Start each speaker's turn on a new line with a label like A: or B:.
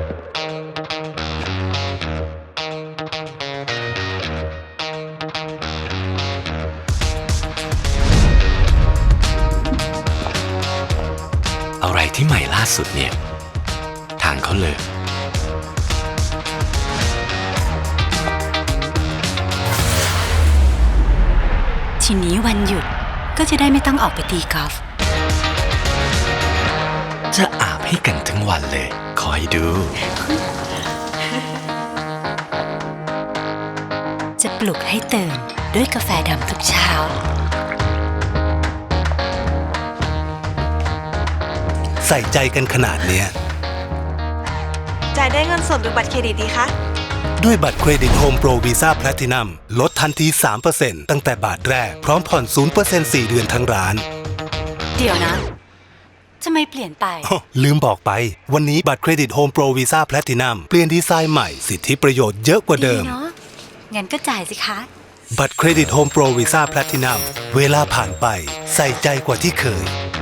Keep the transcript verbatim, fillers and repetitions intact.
A: อะไรที่ใหม่ล่าสุดเนี่ยทางเขาเลย
B: ทีนี้วันหยุดก็จะได้ไม่ต้องออกไปตีกอล์ฟ
A: จะอาบให้กันทั้งวันเลยคอยดู
B: จะปลุกให้ตื่นด้วยกาแฟดำทุกเช้า
C: ใส่ใจกันขนาดเนี้ย
D: จ่ายได้เงินสดหรือบัตรเครดิตดีคะ
C: ด้วยบัตรเครดิตโฮมโปรวีซ่าแพลตินัมลดทันที สามเปอร์เซ็นต์ ตั้งแต่บาทแรกพร้อมผ่อน ศูนย์เปอร์เซ็นต์ สี่เดือนทั้งร้าน
B: เดี๋ยวนะทำไมเปลี่ยนไป
C: ลืมบอกไปวันนี้บัตรเครดิตโฮมโปรวีซ่าแพลตินัมเปลี่ยนดีไซน์ใหม่สิทธิประโยชน์เยอะกว่าเดิม
B: เนาะงั้นก็จ่ายสิคะ
C: บัตรเครดิตโฮมโปรวีซ่าแพลตินัมเวลาผ่านไปใส่ใจกว่าที่เคย